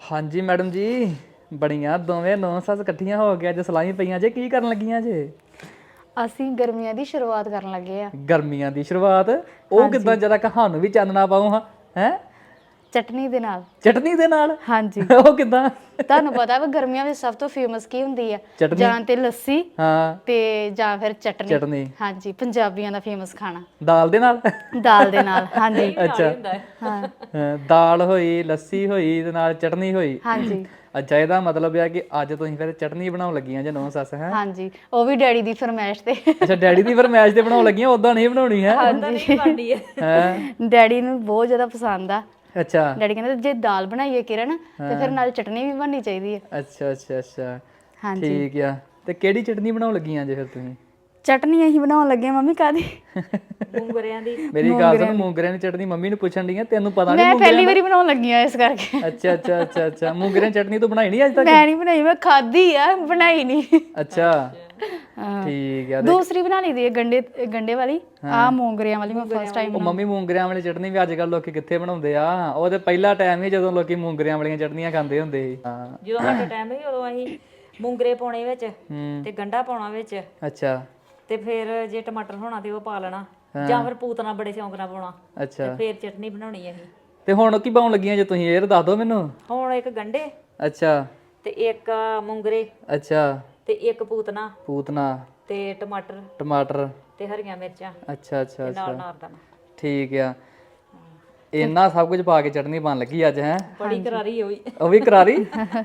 ਹਾਂਜੀ ਮੈਡਮ ਜੀ, ਬੜੀਆਂ ਦੋਵੇਂ ਨੌ ਸੱਸ ਇਕੱਠੀਆਂ ਹੋ ਕੇ ਅੱਜ ਸਲਾਹੀਂ ਪਈਆਂ ਜੇ। ਕੀ ਕਰਨ ਲੱਗੀਆਂ ਜੇ? ਅਸੀਂ ਗਰਮੀਆਂ ਦੀ ਸ਼ੁਰੂਆਤ ਕਰਨ ਲੱਗੇ ਆ। ਗਰਮੀਆਂ ਦੀ ਸ਼ੁਰੂਆਤ? ਉਹ ਕਿੱਦਾਂ? ਹਾਂਜੀ, ਜਰਾ ਕਹਾਨੂੰ ਵੀ ਚਾਨਣਾ ਪਾਓ ਹਾਂ। ਹੈ ਚਟਨੀ ਦੇ ਨਾਲ। ਚਟਨੀ ਦੇ ਨਾਲ? ਹਾਂਜੀ, ਉਹ ਕਿੱਦਾਂ? ਤੁਹਾਨੂੰ ਪਤਾ ਵਾ ਗਰਮੀਆਂ ਵਿੱਚ ਸਭ ਤੋਂ ਫੇਮਸ ਕੀ ਹੁੰਦੀ ਆ? ਚਟਨੀ? ਜਾਂ ਤੇ ਲੱਸੀ ਹਾਂ, ਤੇ ਜਾਂ ਫਿਰ ਚਟਨੀ। ਚਟਨੀ ਹਾਂਜੀ, ਪੰਜਾਬੀਆਂ ਦਾ ਫੇਮਸ ਖਾਣਾ ਦਾਲ ਦੇ ਨਾਲ। ਦਾਲ ਦੇ ਨਾਲ। ਹਾਂਜੀ ਅੱਛਾ, ਹਾਂ, ਦਾਲ ਹੋਈ, ਲੱਸੀ ਹੋਈ ਤੇ ਨਾਲ ਚਟਨੀ ਹੋਈ। ਹਾਂਜੀ ਅੱਛਾ, ਇਹਦਾ ਮਤਲਬ ਇਹ ਕਿ ਅੱਜ ਤੁਸੀਂ ਫਿਰ ਚਟਨੀ ਬਣਾਉਣ ਲੱਗੀਆਂ ਜੇ ਨੌ ਸੱਸ? ਹੈ ਹਾਂਜੀ, ਉਹ ਵੀ ਡੈਡੀ ਦੀ ਫਰਮਾਇਸ਼ ਤੇ। ਅੱਛਾ, ਡੈਡੀ ਦੀ ਫਰਮਾਇਸ਼ ਤੇ ਬਣਾਉਣ ਲੱਗੀਆਂ, ਉਦਾਂ ਨਹੀਂ ਬਣਾਉਣੀ? ਹੈ ਹਾਂਜੀ, ਹੈ ਡੈਡੀ ਨੂੰ ਬਹੁਤ ਜ਼ਿਆਦਾ ਪਸੰਦ ਆ। ਅੱਛਾ ਡੈਡੀ ਕਹਿੰਦੇ ਜੇ ਦਾਲ ਬਣਾਈਏ ਕਿਰਨ ਤੇ ਫਿਰ ਨਾਲ ਚਟਨੀ ਵੀ ਬਣਨੀ ਚਾਹੀਦੀ ਹੈ। ਅੱਛਾ ਅੱਛਾ ਅੱਛਾ, ਹਾਂਜੀ, ਠੀਕ ਆ। ਤੇ ਕਿਹੜੀ ਚਟਨੀ ਬਣਾਉਣ ਲੱਗੀਆਂ ਜੇ ਫਿਰ ਤੁਸੀਂ? ਚਟਨੀ ਅਸੀਂ ਬਣਾਉਣ ਲੱਗੇ ਮੰਮੀ ਕਾਹਦੀ? ਮੂੰਗਰਿਆਂ ਦੀ। ਮੇਰੀ ਗੱਲ ਸੁਣ, ਮੂੰਗਰਿਆਂ ਦੀ। ਮੂੰਗਰਿਆਂ ਦੀ ਚਟਨੀ ਮੰਮੀ ਨੂੰ ਪੁੱਛਣ ਡਈ ਆ, ਤੈਨੂੰ ਪਤਾ ਨਹੀਂ ਮੈਂ ਮੂੰਗਰਿਆਂ ਪਹਿਲੀ ਦਾ? ਵਾਰੀ ਬਣਾਉਣ ਲੱਗੀ ਆ ਇਸ ਕਰਕੇ। ਅੱਛਾ ਅੱਛਾ ਅੱਛਾ ਅੱਛਾ, ਮੂੰਗਰਿਆਂ ਦੀ ਚਟਨੀ ਤੂੰ ਬਣਾਈ ਨਹੀਂ ਅੱਜ ਤੱਕ? ਮੈਂ ਨਹੀਂ ਬਣਾਈ, ਮੈਂ ਖਾਧੀ ਆ, ਬਣਾਈ ਨਹੀਂ। ਅੱਛਾ, ਹਾਂ, ਠੀਕ ਆ। ਦੂਸਰੀ ਬਣਾ ਲਈ ਦੀ ਹੈ ਗੰਡੇ ਗੰਡੇ ਵਾਲੀ। ਆ ਮੂੰਗਰਿਆਂ ਵਾਲੀ ਮੈਂ ਫਸਟ ਟਾਈਮ ਉਹ ਮੰਮੀ ਮੂੰਗਰਿਆਂ ਵਾਲੀ ਚਟਨੀ ਵੀ ਅੱਜ ਕੱਲ ਲੋਕੀ ਕਿੱਥੇ ਬਣਾਉਂਦੇ ਆ? ਉਹ ਤੇ ਪਹਿਲਾ ਟਾਈਮ ਹੀ ਜਦੋਂ ਲੋਕੀ ਮੂੰਗਰਿਆਂ ਵਾਲੀਆਂ ਚਟਨੀਆਂ ਖਾਂਦੇ ਹੁੰਦੇ ਸੀ। ਹਾਂ, ਜਦੋਂ ਸਾਡੇ ਟਾਈਮ ਸੀ ਉਦੋਂ ਅਸੀਂ ਮੂੰਗਰੇ ਪਾਉਣੇ ਵਿੱਚ ਤੇ ਗੰਢਾ ਪਾਉਣਾ ਵਿੱਚ ਅੱਛਾ ਤੇ ਫਿਰ ਜੇ ਟਮਾਟਰ ਹੋਣਾ ਤੇ ਉਹ ਪਾ ਲੈਣਾ, ਜਾਂ ਫਿਰ ਪੂਤਨਾ ਬੜੇ ਸ਼ੌਂਕ ਨਾਲ ਪਾਉਣਾ ਤੇ ਅੱਛਾ। ਫਿਰ ਚਟਨੀ ਬਣਾਉਣੀ ਅਸੀਂ। ਤੇ ਹੁਣ ਕੀ ਪਾਉਣ ਲੱਗੀਆਂ ਜੇ ਤੁਸੀਂ? ਇਹ ਦੱਸ ਦਿਓ ਮੈਨੂੰ। ਹੁਣ ਇੱਕ ਗੰਢੇ ਅੱਛਾ ਤੇ ਇੱਕ ਮੂੰਗਰੇ ਅੱਛਾ, ਤੇ ਇੱਕ ਪੂਤਨਾ ਪੂਤਨਾ ਤੇ ਟਮਾਟਰ ਟਮਾਟਰ। ਤੇ ਹਰੀਆਂ ਮਿਰਚਾਂ ਅੱਛਾ ਅੱਛਾ ਤੇ ਨਾਲ ਅੱਛਾ, ਨਾਰਦਾਨਾ। ਠੀਕ ਆ। ਇੰਨਾ ਸਭ ਕੁਝ ਪਾ ਕੇ ਚਟਨੀ ਬਣ ਲੱਗੀ ਅੱਜ? ਹੈ ਬੜੀ ਕਰਾਰੀ ਹੋਈ। ਉਹ ਵੀ ਕਰਾਰੀ?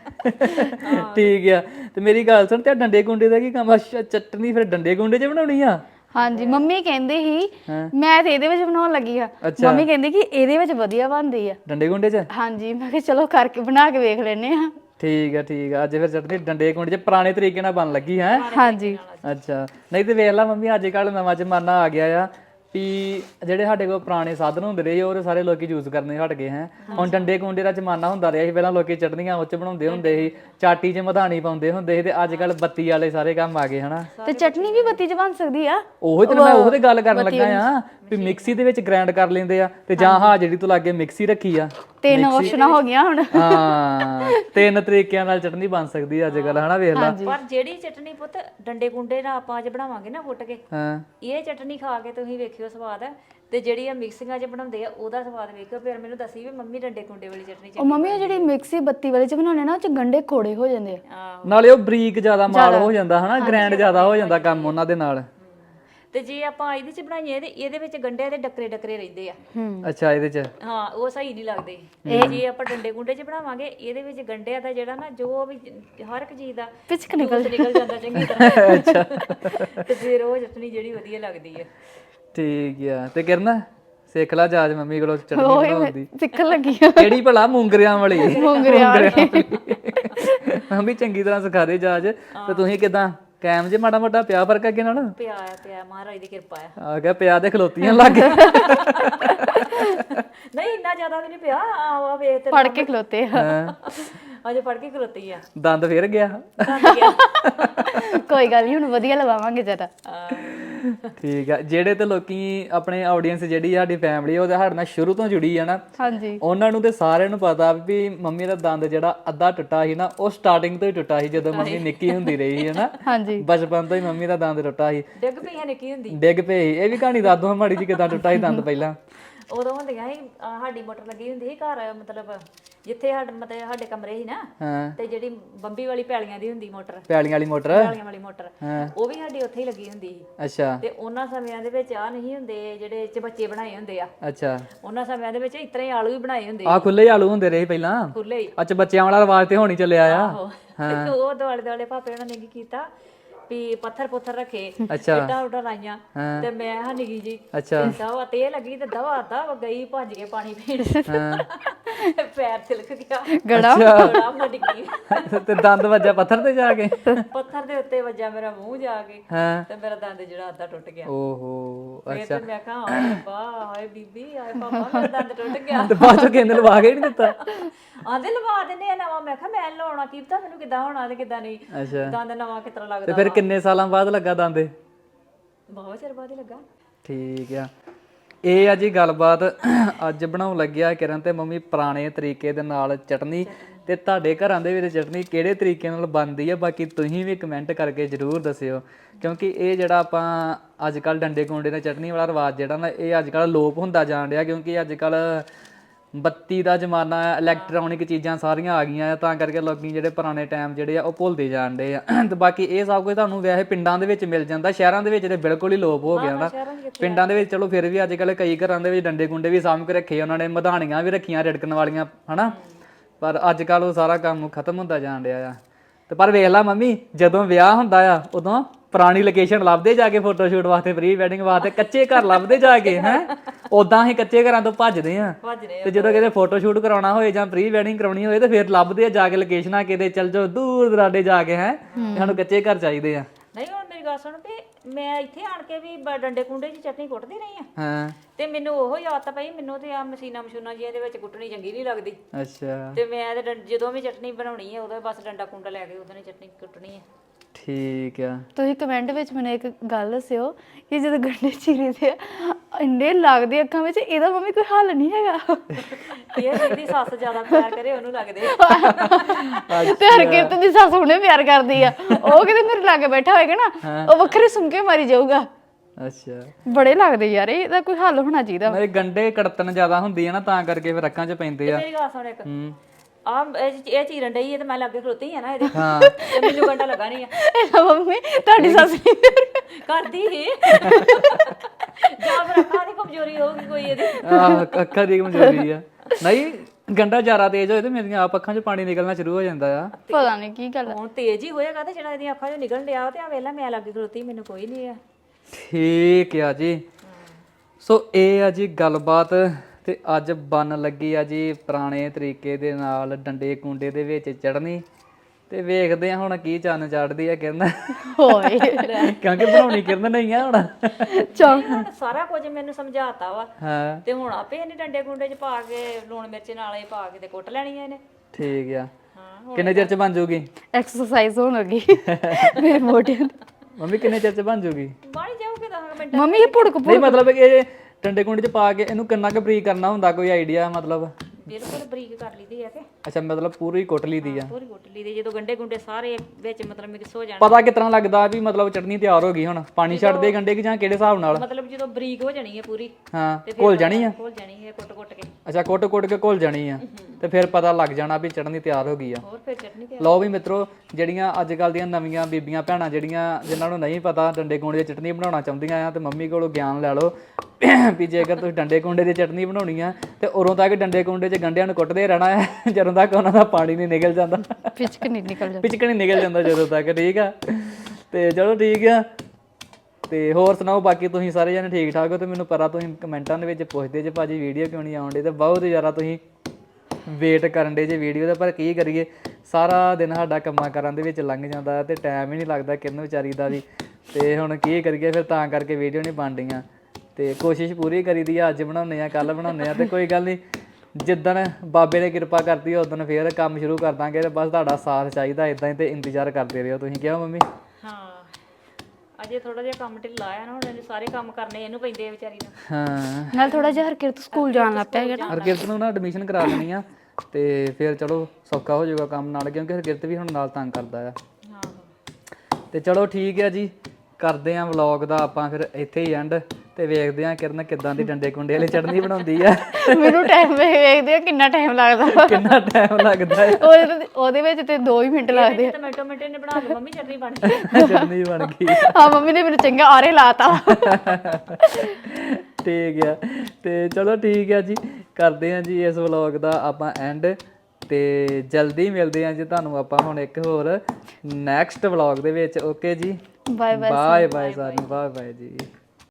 ਠੀਕ ਆ। ਤੇ ਮੇਰੀ ਗੱਲ ਸੁਣ, ਤੇ ਡੰਡੇ ਗੁੰਡੇ ਦਾ ਕੀ ਕੰਮ? ਅੱਛਾ, ਚਟਨੀ ਫਿਰ ਡੰਡੇ ਗੁੰਡੇ 'ਚ ਬਣਾਉਣੀ ਆ? ਹਾਂਜੀ, ਮੰਮੀ ਕਹਿੰਦੇ ਸੀ ਹੈਂ? ਮੈਂ ਤੇ ਇਹਦੇ ਵਿੱਚ ਬਣਾਉਣ ਲੱਗੀ ਆ। ਅੱਛਾ, ਮੰਮੀ ਕਹਿੰਦੀ ਕਿ ਇਹਦੇ ਵਿੱਚ ਵਧੀਆ ਬਣਦੀ ਆ। ਡੰਡੇ ਗੁੰਡੇ 'ਚ? ਹਾਂਜੀ, ਮੈਂ ਕਿਹਾ ਚਲੋ ਕਰਕੇ ਬਣਾ ਕੇ ਵੇਖ ਲੈਨੇ ਆ। ਠੀਕ ਆ ਠੀਕ ਆ। ਅੱਜ ਫਿਰ ਚਟਨੀ ਡੰਡੇ ਗੁੰਡੇ 'ਚ ਪੁਰਾਣੇ ਤਰੀਕੇ ਨਾਲ ਬਣ ਲੱਗੀ ਹੈ? ਹਾਂਜੀ ਅੱਛਾ, ਨਹੀਂ ਤੇ ਵੇਖ ਲਾ ਮੰਮੀ, ਅੱਜ ਕੱਲ ਨਵਾਂ ਜ਼ਮਾਨਾ ਆ ਗਿਆ ਆ ਵੀ ਜਿਹੜੇ ਸਾਡੇ ਕੋਲ ਪੁਰਾਣੇ ਸਾਧਨ ਹੁੰਦੇ ਰਹੇ ਉਹ ਸਾਰੇ ਲੋਕੀ ਯੂਜ਼ ਕਰਨੇ ਹਟ ਗਏ। ਹੈ ਹੁਣ ਡੰਡੇ ਗੁੰਡੇ ਦਾ ਜ਼ਮਾਨਾ ਹੁੰਦਾ ਰਿਹਾ ਸੀ, ਪਹਿਲਾਂ ਲੋਕੀ ਚਟਨੀਆਂ ਉਹ 'ਚ ਬਣਾਉਂਦੇ ਹੁੰਦੇ ਸੀ, ਚਾਟੀ 'ਚ ਮਧਾਣੀ ਪਾਉਂਦੇ ਹੁੰਦੇ ਸੀ, ਤੇ ਅੱਜ ਕੱਲ ਬੱਤੀ ਵਾਲੇ ਸਾਰੇ ਕੰਮ ਆ ਗਏ। ਹਨਾ, ਤੇ ਚਟਨੀ ਵੀ ਬੱਤੀ 'ਚ ਬਣ ਸਕਦੀ ਆ। ਉਹੀ ਤੇ ਮੈਂ ਉਹਦੇ ਗੱਲ ਕਰਨ ਲੱਗਾ ਆ ਵੀ ਮਿਕਸੀ ਦੇ ਵਿੱਚ ਗ੍ਰਾਈਂਡ ਕਰ ਲੈਂਦੇ ਆ, ਤੇ ਜਾਂ ਹਾਂ ਜਿਹੜੀ ਤੂੰ ਲਾਗੇ ਮਿਕਸੀ ਰੱਖੀ ਆ। ਤਿੰਨ ਆਪਸ਼ਨਾਂ ਹੋ ਗਈਆਂ ਹੁਣ। ਹਾਂ, ਤਿੰਨ ਤਰੀਕਿਆਂ ਨਾਲ ਚਟਨੀ ਬਣ ਸਕਦੀ ਆ ਅੱਜ ਕੱਲ। ਹਨਾ, ਵੇਖ ਲਾ। ਪਰ ਜਿਹੜੀ ਚਟਨੀ ਪੁੱਤ ਡੰਡੇ ਗੁੰਡੇ ਨਾਲ ਆਪਾਂ ਅੱਜ ਬਣਾਵਾਂਗੇ ਨਾ ਕੁੱਟ ਕੇ, ਹਾਂ, ਇਹ ਚਟਨੀ ਖਾ ਕੇ ਤੁਸੀਂ ਵੇਖਿਓ ਸਵਾਦ। ਤੇ ਜਿਹੜੀ ਆ ਮਿਕਸੀਆਂ 'ਚ ਬਣਾਉਂਦੇ ਆ ਉਹਦਾ ਸਵਾਦ ਵੇਖਿਓ, ਫਿਰ ਮੈਨੂੰ ਦੱਸੀ ਵੀ ਮੰਮੀ ਡੰਡੇ ਗੁੰਡੇ ਵਾਲੀ ਚਟਨੀ ਉਹ ਮੰਮੀ ਉਹ ਜਿਹੜੀ ਮਿਕਸੀ ਬੱਤੀ ਵਾਲੇ 'ਚ ਬਣਾਉਣੇ ਨਾ, ਉਹ 'ਚ ਗੰਡੇ ਕੋੜੇ ਹੋ ਜਾਂਦੇ ਆ। ਨਾਲੇ ਉਹ ਬਰੀਕ ਜ਼ਿਆਦਾ ਮਾਲ ਹੋ ਜਾਂਦਾ। ਹਨਾ, ਗ੍ਰਾਈਂਡ ਜ਼ਿਆਦਾ ਹੋ ਜਾਂਦਾ ਕੰਮ ਉਹਨਾਂ ਦੇ ਨਾਲ। ਤੇ ਜੇ ਆਪਾਂ ਇਹਦੇ 'ਚ ਬਣਾਈਏ ਤੇ ਇਹਦੇ ਵਿੱਚ ਗੰਢਿਆਂ ਦੇ ਡੱਕਰੇ ਡੱਕਰੇ ਰਹਿੰਦੇ ਆ। ਅੱਛਾ, ਇਹਦੇ 'ਚ? ਹਾਂ, ਉਹ ਸਹੀ ਨਹੀਂ ਲੱਗਦੇ। ਜੇ ਆਪਾਂ ਡੰਡੇ ਗੁੰਡੇ 'ਚ ਬਣਾਵਾਂਗੇ, ਇਹਦੇ ਵਿੱਚ ਗੰਢਿਆਂ ਦਾ ਜਿਹੜਾ ਨਾ ਜੋ ਵੀ ਹਰ ਇੱਕ ਚੀਜ਼ ਦਾ ਪਿਚਕ ਜੂਸ ਨਿਕਲ ਜਾਂਦਾ ਚੰਗੀ ਤਰ੍ਹਾਂ। ਅੱਛਾ, ਤੇ ਫਿਰ ਉਹ ਚਟਨੀ ਜਿਹੜੀ ਵਧੀਆ ਲੱਗਦੀ ਹੈ। ਠੀਕ ਆ। ਤੇ ਕਿਰਨ, ਸਿੱਖ ਲਾ ਜਾਚ ਮੰਮੀ ਕੋਲੋਂ ਚਟਨੀ ਉਹੀ ਬਣਾਉਣ ਮੈਂ ਦੀ। ਸਿੱਖਣ ਲੱਗੀ ਆ। ਕਿਹੜੀ ਭਲਾ? ਮੂੰਗਰਿਆਂ ਵਾਲੀ? ਮੂੰਗਰਿਆਂ ਵਾਲੀ। ਮੰਮੀ ਚੰਗੀ ਤਰ੍ਹਾਂ ਸਿਖਾ ਦੇ ਜਾਚ। ਤੇ ਤੁਸੀਂ ਕਿਦਾਂ ਕਾਇਮ ਜੇ? ਮਾੜਾ ਮੋਟਾ ਪਿਆ ਫਰਕ ਅੱਗੇ ਨਾਲ? ਪਿਆ ਮਹਾਰਾਜ ਦੀ ਕਿਰਪਾ ਆ। ਆ ਗਿਆ ਪਿਆ ਤੇ ਖਲੋਤੀਆਂ ਲੱਗ। ਨਹੀਂ, ਇੰਨਾ ਜ਼ਿਆਦਾ ਵੀ ਨਹੀਂ ਪਿਆ। ਆ ਵੇਖ ਤੇ ਫੜ ਕੇ ਖਲੋਤੇ ਆ। ਅਜੇ ਫੜ ਕੇ ਖਲੋਤੀ ਆ। ਦੰਦ ਫਿਰ ਗਿਆ? ਦੰਦ ਗਿਆ। ਕੋਈ ਗੱਲ ਨਹੀਂ, ਹੁਣ ਵਧੀਆ ਲਵਾਵਾਂਗੇ ਜਰਾ। ਠੀਕ ਆ। ਜਿਹੜੇ ਤੇ ਲੋਕੀ ਆਪਣੇ ਆਡੀਅנס ਜਿਹੜੀ ਸਾਡੀ ਫੈਮਿਲੀ ਉਹ ਸਾਡੇ ਨਾਲ ਸ਼ੁਰੂ ਤੋਂ ਜੁੜੀ ਆ ਨਾ, ਹਾਂਜੀ, ਉਹਨਾਂ ਨੂੰ ਤੇ ਸਾਰਿਆਂ ਨੂੰ ਪਤਾ ਵੀ ਮੰਮੀ ਦਾ ਦੰਦ ਜਿਹੜਾ ਅੱਧਾ ਟੁੱਟਾ ਸੀ ਨਾ, ਉਹ ਸਟਾਰਟਿੰਗ ਤੋਂ ਹੀ ਟੁੱਟਾ ਸੀ। ਜਦੋਂ ਮੰਮੀ ਨਿੱਕੀ ਹੁੰਦੀ ਰਹੀ ਸੀ ਨਾ, ਹਾਂਜੀ। ਬਚਪਨ ਤੋਂ ਹੀ ਮੰਮੀ ਦਾ ਦੰਦ ਟੁੱਟਾ ਸੀ। ਡਿੱਗ ਪਈ ਨਿੱਕੀ ਹੁੰਦੀ। ਡਿੱਗ ਪਏ ਸੀ। ਇਹ ਵੀ ਕਹਾਣੀ ਦੱਸ ਦੋ ਮਾੜੀ ਜੀ, ਕਿਦਾਂ ਟੁੱਟਾ ਸੀ ਦੰਦ ਪਹਿਲਾਂ? ਉਦੋਂ ਹੁੰਦੀਆਂ ਸੀ, ਸਾਡੀ ਮੋਟਰ ਲੱਗੀ ਹੁੰਦੀ ਸੀ ਘਰ, ਮਤਲਬ ਜਿੱਥੇ ਸਾਡੇ ਕਮਰੇ ਸੀ ਨਾ, ਹਾਂ, ਤੇ ਜਿਹੜੀ ਬੰਬੀ ਵਾਲੀ ਪੈਲੀਆਂ ਦੀ ਹੁੰਦੀ ਮੋਟਰ, ਪੈਲੀਆਂ ਵਾਲੀ ਮੋਟਰ? ਪੈਲੀਆਂ ਵਾਲੀ ਮੋਟਰ, ਉਹ ਵੀ ਸਾਡੀ ਉੱਥੇ ਹੀ ਲੱਗੀ ਹੁੰਦੀ ਸੀ। ਅੱਛਾ ਤੇ ਉਹਨਾਂ ਸਮਿਆਂ ਦੇ ਵਿੱਚ ਆ ਨਹੀਂ ਹੁੰਦੇ ਜਿਹੜੇ ਚਬੱਚੇ ਬਣਾਏ ਹੁੰਦੇ ਆ। ਅੱਛਾ, ਉਹਨਾਂ ਸਮਿਆਂ ਦੇ ਵਿੱਚ ਇਸ ਤਰ੍ਹਾਂ ਹੀ ਆਲੂ ਵੀ ਬਣਾਏ ਹੁੰਦੇ ਆ ਖੁੱਲੇ ਆਲੂ ਹੁੰਦੇ ਰਹੇ ਪਹਿਲਾਂ? ਖੁੱਲੇ ਹੀ। ਅੱਛਾ, ਬੱਚਿਆਂ ਵਾਲਾ ਰਿਵਾਜ ਤੇ ਹੋਣੀ ਚੱਲਿਆ ਆ। ਤੇ ਉਹ ਦੁਆਲੇ ਦੁਆਲੇ ਭਾਪੇ ਉਹਨਾਂ ਨੇ ਕੀ ਕੀਤਾ ਵੀ ਪੱਥਰ ਪੁੱਥਰ ਰੱਖੇ, ਅੱਛਾ, ਇੱਟਾਂ ਉੱਟਾਂ ਲਾਈਆਂ, ਤੇ ਮੈਂ ਹਾਂ ਨਿੱਕੀ ਜੀ ਅੱਛਾ, ਦਵਾ ਤੇ ਲੱਗੀ ਤੇ ਦਵਾ ਗਈ ਭੱਜ ਕੇ ਪਾਣੀ ਪੀਣ। ਪੈਰ ਤਿਲਕ ਗਿਆ, ਗੜਾ ਮੈਂ ਡਿੱਗੀ। ਤੇ ਦੰਦ ਵੱਜਾ ਪੱਥਰ ਤੇ ਜਾ ਕੇ? ਪੱਥਰ ਦੇ ਉੱਤੇ ਵੱਜਾ ਮੇਰਾ ਮੂੰਹ ਜਾ ਕੇ, ਹਾਂ, ਤੇ ਮੇਰਾ ਦੰਦ ਜਿਹੜਾ ਅੱਧਾ ਟੁੱਟ ਗਿਆ। ਓਹੋ, ਫਿਰ ਅੱਛਾ। ਤੇ ਮੈਂ ਕਿਹਾ ਹਾਏ ਰੱਬਾ, ਹਾਏ ਬੀਬੀ, ਹਾਏ ਪਾਪਾ, ਮੇਰਾ ਦੰਦ ਟੁੱਟ ਗਿਆ। ਤੇ ਬਾਅਦ ਚੋਂ ਕਿਸੇ ਨੇ ਲਵਾ ਕੇ ਨਹੀਂ ਦਿੱਤਾ? ਆਂਦੇ ਲਵਾ ਦਿੰਦੇ ਆ ਨਵਾਂ। ਮੈਂ ਕਿਹਾ ਮੈਂ ਲਾਉਣਾ ਕੀ ਪਤਾ ਮੈਨੂੰ ਕਿੱਦਾਂ ਹੋਣਾ ਤੇ ਕਿੱਦਾਂ ਨਹੀਂ। ਅੱਛਾ, ਦੰਦ ਨਵਾਂ ਕਿਸ ਤਰ੍ਹਾਂ ਲੱਗਦਾ? ਤੇ ਫਿਰ ਕਿੰਨੇ ਸਾਲਾਂ ਬਾਅਦ ਲੱਗਾ ਦੰਦ? ਬਹੁਤ ਚਿਰ ਬਾਅਦ ਹੀ ਲੱਗਾ। ਠੀਕ ਆ। ਇਹ ਆ ਜੀ ਗੱਲਬਾਤ। ਅੱਜ ਬਣਾਉਣ ਲੱਗਿਆ ਕਿਰਨ ਤੇ ਮੰਮੀ ਪੁਰਾਣੇ ਤਰੀਕੇ ਦੇ ਨਾਲ ਚਟਨੀ, ਤੇ ਤੁਹਾਡੇ ਘਰਾਂ ਦੇ ਵਿੱਚ ਚਟਨੀ ਕਿਹੜੇ ਤਰੀਕੇ ਨਾਲ ਬਣਦੀ ਆ ਬਾਕੀ ਤੁਸੀਂ ਵੀ ਕਮੈਂਟ ਕਰਕੇ ਜਰੂਰ ਦੱਸਿਓ ਕਿਉਂਕਿ ਇਹ ਜਿਹੜਾ ਆਪਾਂ ਅੱਜ ਕੱਲ ਡੰਡੇ ਕੁੰਡੇ ਨਾਲ ਚਟਨੀ ਵਾਲਾ ਰਿਵਾਜ ਜਿਹੜਾ ਨਾ ਇਹ ਅੱਜ ਕੱਲ ਲੋਪ ਹੁੰਦਾ ਜਾਣ ਡਿਆ ਕਿਉਂਕਿ ਅੱਜ ਕੱਲ ਬੱਤੀ ਦਾ ਜ਼ਮਾਨਾ ਹੈ ਇਲੈਕਟ੍ਰੋਨਿਕ ਚੀਜ਼ਾਂ ਸਾਰੀਆਂ ਆ ਗਈਆਂ ਤਾਂ ਕਰਕੇ ਲੋਕੀ ਜਿਹੜੇ ਪੁਰਾਣੇ ਟਾਈਮ ਜਿਹੜੇ ਆ ਉਹ ਭੁੱਲਦੇ ਜਾਣ ਡੇ ਆ ਤੇ ਬਾਕੀ ਇਹ ਸਭ ਕੁਝ ਤੁਹਾਨੂੰ ਵੈਸੇ ਪਿੰਡਾਂ ਦੇ ਵਿੱਚ ਮਿਲ ਜਾਂਦਾ ਸ਼ਹਿਰਾਂ ਦੇ ਵਿੱਚ ਤੇ ਬਿਲਕੁਲ ਹੀ ਲੋਪ ਹੋ ਗਿਆ ਨਾ ਪਿੰਡਾਂ ਦੇ ਵਿੱਚ ਚਲੋ ਫਿਰ ਵੀ ਅੱਜ ਕੱਲ ਕਈ ਘਰਾਂ ਦੇ ਵਿੱਚ ਡੰਡੇ ਕੁੰਡੇ ਵੀ ਸਾਂਭ ਕੇ ਰੱਖੇ ਉਹਨਾਂ ਨੇ ਮਧਾਣੀਆਂ ਵੀ ਰੱਖੀਆਂ ਰਿੜਕਣ ਵਾਲੀਆਂ ਹਨਾ ਪਰ ਅੱਜ ਕੱਲ ਉਹ ਸਾਰਾ ਕੰਮ ਖਤਮ ਹੁੰਦਾ ਜਾਣ ਡਿਆ ਆ ਤੇ ਪਰ ਵੇਖ ਲਾ ਮੰਮੀ ਜਦੋਂ ਵਿਆਹ ਹੁੰਦਾ ਆ ਉਦੋਂ ਪੁਰਾਣੀ ਲੋਕੇਸ਼ਨ ਲੱਭਦੇ ਜਾ ਕੇ ਫੋਟੋ ਸ਼ੂਟ ਵਾਸਤੇ ਪ੍ਰੀ ਵੈਡਿੰਗ ਵਾਸਤੇ ਕੱਚੇ ਘਰ ਲੱਭਦੇ ਜਾ ਕੇ ਹੈ ਉਦਾਂ ਹੀ ਕੱਚੇ ਘਰਾਂ ਤੋਂ ਭੱਜਦੇ ਆ ਤੇ ਜਦੋਂ ਕਿਤੇ ਫੋਟੋ ਸ਼ੂਟ ਕਰਾਉਣਾ ਹੋਏ ਜਾਂ ਪ੍ਰੀ ਵੈਡਿੰਗ ਕਰਾਉਣੀ ਹੋਏ ਤੇ ਫਿਰ ਲੱਭਦੇ ਆ ਜਾ ਕੇ ਲੋਕੇਸ਼ਨਾਂ ਕਿਤੇ ਚੱਲ ਜਾਓ ਦੂਰ ਦਰਾਡੇ ਜਾ ਕੇ ਹੈ ਸਾਨੂੰ ਕੱਚੇ ਘਰ ਚਾਹੀਦੇ ਆ ਨਹੀਂ ਹੁਣ ਮੇਰੀ ਗੱਲ ਸੁਣ ਵੀ ਮੈਂ ਇੱਥੇ ਆਣ ਕੇ ਵੀ ਡੰਡੇ ਕੁੰਡੇ 'ਚ ਚਟਨੀ ਕੁੱਟਦੀ ਰਹੀ ਆ ਹਾਂ ਤੇ ਮੈਨੂੰ ਉਹੋ ਹੀ ਆਦਤ ਪਈ ਮੈਨੂੰ ਤੇ ਆ ਮਸ਼ੀਨਾਂ ਜਿਹੀਆਂ ਦੇ ਵਿੱਚ ਕੁੱਟਣੀ ਚੰਗੀ ਨਹੀਂ ਲੱਗਦੀ ਅੱਛਾ ਤੇ ਮੈਂ ਤੇ ਜਦੋਂ ਵੀ ਚਟਨੀ ਬਣਾਉਣੀ ਹੈ ਉਦੋਂ ਬਸ ਡੰਡਾ ਕੁੰਡਾ ਲੈ ਕੇ ਉਦੋਂ ਹੀ ਚਟਨੀ ਕੁੱਟਣੀ ਹੈ ਠੀਕ ਆ ਤੁਸੀਂ ਕਮੈਂਟ ਵਿੱਚ ਮੈਨੂੰ ਇੱਕ ਗੱਲ ਦੱਸਿਓ ਕਿ ਜਦੋਂ ਗੰਡੇ ਚੀਰੀਦੇ ਆ ਇੰਨੇ ਲੱਗਦੇ ਅੱਖਾਂ ਵਿੱਚ ਇਹਦਾ ਮੰਮੀ ਕੋਈ ਹੱਲ ਨਹੀਂ ਹੈਗਾ ਇਹ ਜਿਹਦੀ ਸੱਸ ਜ਼ਿਆਦਾ ਪਿਆਰ ਕਰੇ ਉਹਨੂੰ ਲੱਗਦੇ ਤੇ ਹਰਕਿਰਤ ਦੀ ਸੱਸ ਹੁਣੇ ਪਿਆਰ ਕਰਦੀ ਆ ਉਹ ਕਿਤੇ ਮੇਰੇ ਲਾਗੇ ਬੈਠਾ ਹੋਏਗਾ ਨਾ ਉਹ ਵੱਖਰੇ ਸੁਣਕੇ ਮਾਰੀ ਜਾਊਗਾ ਅੱਛਾ ਬੜੇ ਲੱਗਦੇ ਯਾਰ ਇਹਦਾ ਕੋਈ ਹੱਲ ਹੋਣਾ ਚਾਹੀਦਾ ਮੇਰੇ ਗੰਡੇ ਕੜਤਨ ਜ਼ਿਆਦਾ ਹੁੰਦੀ ਆ ਨਾ ਤਾਂ ਕਰਕੇ ਫਿਰ ਅੱਖਾਂ 'ਚ ਪੈਂਦੇ ਆ ਮੇਰੀ ਗੱਲ ਸੁਣ ਇੱਕ ਹੂੰ ਆ ਇਹ ਚੀਰਨ ਡਈ ਹੈ ਤੇ ਮੈਂ ਲੱਗੇ ਖਲੋਤੀ ਆ ਨਾ ਇਹਦੇ ਤੇ ਮੈਨੂੰ ਘੰਟਾ ਲੱਗਾ ਨਹੀਂ ਆ ਇਹਦਾ ਮੰਮੀ ਤੁਹਾਡੀ ਸੱਸ ਨਹੀਂ ਕਰਦੀ ਹੀ ਜਾਂ ਫਿਰ ਅੱਖਾਂ ਦੀ ਕਮਜ਼ੋਰੀ ਹੋਊਗੀ ਕੋਈ ਇਹਦੀ ਆਹ ਅੱਖਾਂ ਦੀ ਕਮਜ਼ੋਰੀ ਆ ਨਹੀਂ ਗੰਡਾ ਜ਼ਿਆਦਾ ਤੇਜ਼ ਹੋਏ ਤੇ ਮੇਰੀਆਂ ਆਪ ਅੱਖਾਂ 'ਚ ਪਾਣੀ ਨਿਕਲਣਾ ਸ਼ੁਰੂ ਹੋ ਜਾਂਦਾ ਆ ਪਤਾ ਨਹੀਂ ਕੀ ਗੱਲ ਹੁਣ ਤੇਜ਼ ਹੀ ਹੋਏਗਾ ਤੇ ਜਿਹੜਾ ਇਹਦੀਆਂ ਅੱਖਾਂ 'ਚੋਂ ਨਿਕਲਣ ਡਿਆ ਤੇ ਆ ਵੇਲਾ ਮੈਂ ਲੱਗੇ ਖਲੋਤੀ ਮੈਨੂੰ ਕੋਈ ਨਹੀਂ ਆ ਠੀਕ ਆ ਜੀ ਸੋ ਇਹ ਆ ਜੀ ਗੱਲਬਾਤ ਤੇ ਅੱਜ ਬਣ ਲੱਗੀ ਆ ਜੀ ਪੁਰਾਣੇ ਤਰੀਕੇ ਦੇ ਨਾਲ ਡੰਡੇ ਕੁੰਡੇ ਦੇ ਵਿੱਚ ਚੜਨੀ ਤੇ ਵੇਖਦੇ ਆ ਹੁਣ ਕੀ ਚੰਨ ਚੜਦੀ ਆ ਕਿਰਨ ਹੋਏ ਕਿਉਂਕਿ ਬਣਾਉਣੀ ਕਿਰਨ ਨਹੀਂ ਆ ਹੁਣ ਚੌਂ ਸਾਰਾ ਕੁਝ ਮੈਨੂੰ ਸਮਝਾਤਾ ਵਾ ਹਾਂ ਤੇ ਹੁਣ ਆਪੇ ਇਹਨੇ ਡੰਡੇ ਕੁੰਡੇ 'ਚ ਪਾ ਕੇ ਲੂਣ ਮਿਰਚ ਨਾਲ ਹੀ ਪਾ ਕੇ ਤੇ ਕੁੱਟ ਲੈਣੀਆਂ ਇਹਨੇ ਠੀਕ ਆ ਹਾਂ ਕਿੰਨੇ ਚਿਰ ਚ ਬਣ ਜੂਗੀ ਐਕਸਰਸਾਈਜ਼ ਹੋਣ ਲੱਗੀ ਮੇਰੇ ਮੋਢਿਆਂ ਤੇ ਮੰਮੀ ਕਿੰਨੇ ਚਿਰ ਚ ਬਣ ਜੂਗੀ ਬਣ ਜਾਊਗੀ 10 ਮਿੰਟ ਮੰਮੀ ਇਹ ਭੁੜਕ ਨਹੀਂ ਮਤਲਬ ਕਿ ਇਹ ਡੰਡੇ ਕੁੰਡੇ ਚ ਪਾ ਕੇ ਇਹਨੂੰ ਕਿੰਨਾ ਕੁ ਬਰੀਕ ਕਰਨਾ ਹੁੰਦਾ ਕੋਈ ਆਈਡੀਆ ਮਤਲਬ ਬਿਲਕੁਲ ਬਰੀਕ ਕਰ ਲਈਦੀ ਆ ਤੇ ਅੱਛਾ ਮਤਲਬ ਪੂਰੀ ਕੁੱਟ ਲਈਦੀ ਆ ਪੂਰੀ ਕੁੱਟ ਲਈਦੀ ਜਦੋਂ ਗੰਡੇ ਗੁੰਡੇ ਸਾਰੇ ਵਿੱਚ ਮਤਲਬ ਮਿਕਸ ਹੋ ਜਾਣ ਪਤਾ ਕਿਤਨਾ ਲੱਗਦਾ ਵੀ ਮਤਲਬ ਚਟਨੀ ਤਿਆਰ ਹੋ ਗਈ ਹੁਣ ਪਾਣੀ ਛੱਡਦੇ ਗੰਡੇ ਕਿ ਜਾਂ ਕਿਹੜੇ ਹਿਸਾਬ ਨਾਲ ਮਤਲਬ ਜਦੋਂ ਬਰੀਕ ਹੋ ਜਾਣੀ ਹੈ ਪੂਰੀ ਹਾਂ ਘੁਲ ਜਾਣੀ ਆ ਘੋਲ ਜਾਣੀ ਹੈ ਕੁੱਟ ਕੇ ਅੱਛਾ ਕੁੱਟ ਕੇ ਘੁਲ ਜਾਣੀ ਆ ਤੇ ਫਿਰ ਪਤਾ ਲੱਗ ਜਾਣਾ ਵੀ ਚਟਨੀ ਤਿਆਰ ਹੋ ਗਈ ਆ ਹੋਰ ਫਿਰ ਚਟਨੀ ਤੇ ਲਓ ਵੀ ਮਿੱਤਰੋ ਜਿਹੜੀਆਂ ਅੱਜ ਕੱਲ ਦੀਆਂ ਨਵੀਆਂ ਬੀਬੀਆਂ ਭੈਣਾਂ ਜਿਹੜੀਆਂ ਜਿਨ੍ਹਾਂ ਨੂੰ ਨਹੀਂ ਪਤਾ ਡੰਡੇ ਕੁੰਡੇ ਦੀ ਚਟਨੀ ਬਣਾਉਣਾ ਚਾਹੁੰਦੀਆਂ ਆ ਤੇ ਮੰਮੀ ਕੋਲੋਂ ਗਿਆਨ ਲੈ ਲਓ ਵੀ ਜੇਕਰ ਤੁਸੀਂ ਡੰਡੇ ਕੁੰਡੇ ਦੀ ਚਟਨੀ ਬਣਾਉਣੀ ਆ ਤੇ ਉਦੋਂ ਤੱਕ ਡੰਡੇ ਕੁੰਡੇ 'ਚ ਗੰਡਿਆਂ ਨੂੰ ਕੁੱਟਦੇ ਰਹਿਣਾ ਹੈ ਜਦੋਂ ਤੱਕ ਉਹਨਾਂ ਦਾ ਪਾਣੀ ਨਹੀਂ ਨਿਕਲ ਜਾਂਦਾ ਪਿਚਕ ਨਹੀਂ ਨਿਕਲ ਜਾਂਦਾ ਪਿਚਕ ਨਹੀਂ ਨਿਕਲ ਜਾਂਦਾ ਜਦੋਂ ਤੱਕ ਠੀਕ ਆ ਤੇ ਚਲੋ ਠੀਕ ਆ ਤੇ ਹੋਰ ਸੁਣਾਓ ਬਾਕੀ ਤੁਸੀਂ ਸਾਰੇ ਜਣੇ ਠੀਕ ਠਾਕ ਹੋ ਤੇ ਮੈਨੂੰ ਪਤਾ ਤੁਸੀਂ ਕਮੈਂਟਾਂ ਦੇ ਵਿੱਚ ਪੁੱਛਦੇ ਜੇ ਭਾਜੀ ਵੀਡੀਓ ਕਿਉਂ ਨਹੀਂ ਆਉਂਦੀ ਤੇ ਬਹੁਤ ਜ਼ਿਆਦਾ ਤੁਸੀਂ ਵੇਟ ਕਰਨ ਦੇ ਜੇ ਵੀਡੀਓ ਦਾ ਪਰ ਕੀ ਕਰੀਏ ਸਾਰਾ ਦਿਨ ਸਾਡਾ ਕੰਮਾਂ ਕਰਨ ਦੇ ਵਿੱਚ ਲੰਘ ਜਾਂਦਾ ਤੇ ਟਾਈਮ ਹੀ ਨਹੀਂ ਲੱਗਦਾ ਕਿਰਨ ਵਿਚਾਰੀ ਦਾ ਵੀ ਤੇ ਹੁਣ ਕੀ ਕਰੀਏ ਫਿਰ ਤਾਂ ਕਰਕੇ ਵੀਡੀਓ ਨਹੀਂ ਬਣ ਰਹੀਆਂ ਤੇ ਕੋਸ਼ਿਸ਼ ਪੂਰੀ ਕਰੀਦੀ ਆ ਅੱਜ ਬਣਾਉਂਦੇ ਆ ਕੱਲ ਬਣਾਉਂਦੇ ਆ ਤੇ ਕੋਈ ਗੱਲ ਨਹੀਂ ਜਿੱਦਣ ਬਾਬੇ ਨੇ ਕਿਰਪਾ ਕਰਤੀ ਉਦੋਂ ਫੇਰ ਕੰਮ ਸ਼ੁਰੂ ਕਰ ਦਾਂਗੇ ਤੇ ਬਸ ਤੁਹਾਡਾ ਸਾਥ ਚਾਹੀਦਾ ਇਦਾਂ ਹੀ ਤੇ ਇੰਤਜ਼ਾਰ ਕਰਦੇ ਰਹੋ ਤੁਸੀਂ ਕਿਹਾ ਮੰਮੀ ਹਾਂ ਅਜੇ ਥੋੜਾ ਜਿਹਾ ਕੰਮ ਢਿੱਲਾ ਆ ਨਾ ਹੁਣ ਇਹਨੇ ਸਾਰੇ ਕੰਮ ਕਰਨੇ ਇਹਨੂੰ ਪੈਂਦੇ ਆ ਵਿਚਾਰੀ ਨੂੰ ਹਾਂ ਨਾਲ ਥੋੜਾ ਜਿਹਾ ਹਰਕਿਰਤ ਸਕੂਲ ਜਾਣ ਲੱਗ ਪਿਆ ਹੈਗਾ ਨਾ ਹਰਕਿਰਤ ਨੂੰ ਨਾ ਐਡਮਿਸ਼ਨ ਕਰਾ ਦੇਣੀ ਆ ਤੇ ਫਿਰ ਚਲੋ ਸੌਖਾ ਹੋ ਜਾਊਗਾ ਕੰਮ ਨਾਲ ਕਿਉਂਕਿ ਹਰਕਿਰਤ ਵੀ ਹੁਣ ਨਾਲ ਤੰਗ ਕਰਦਾ ਆ ਹਾਂ ਤੇ ਚਲੋ ਠੀਕ ਹੈ ਜੀ ਕਰਦੇ ਆ ਵਲੌਗ ਦਾ ਆਪਾਂ ਫਿਰ ਇੱਥੇ ਹੀ ਐਂਡ ਤੇ ਵੇਖਦੇ ਆ ਕਿਰਨ ਕਿੱਦਾਂ ਦੀ ਡੰਡੇ ਕੁੰਡੇ ਵਾਲੀ ਚਟਨੀ ਬਣਾਉਂਦੀ ਆ ਮੈਨੂੰ ਟਾਈਮ ਵੇਖਦੇ ਆ ਕਿੰਨਾ ਟਾਈਮ ਲੱਗਦਾ ਕਿੰਨਾ ਟਾਈਮ ਲੱਗਦਾ ਹੈ ਉਹਦੇ ਵਿੱਚ ਤੇ 2 ਹੀ ਮਿੰਟ ਲੱਗਦੇ ਤੇ ਮਿੰਟੋ ਮਿੰਟ ਨੇ ਬਣਾ ਲਈ ਮੰਮੀ ਚਟਨੀ ਬਣ ਗਈ ਚਟਨੀ ਬਣ ਗਈ ਆ ਮੰਮੀ ਨੇ ਮੈਨੂੰ ਚੰਗਾ ਆਰੇ ਲਾਤਾ ਠੀਕ ਆ ਤੇ ਚਲੋ ਠੀਕ ਆ ਜੀ ਕਰਦੇ ਆ ਜੀ ਇਸ ਵਲੌਗ ਦਾ ਆਪਾਂ ਐਂਡ ਤੇ ਜਲਦੀ ਮਿਲਦੇ ਆ ਜੀ ਤੁਹਾਨੂੰ ਆਪਾਂ ਹੁਣ ਇੱਕ ਹੋਰ ਨੈਕਸਟ ਵਲੌਗ ਦੇ ਵਿੱਚ ਓਕੇ ਜੀ ਬਾਏ ਬਾਏ ਬਾਏ ਸਾਰਿਆਂ ਨੂੰ ਬਾਏ ਬਾਏ ਜੀ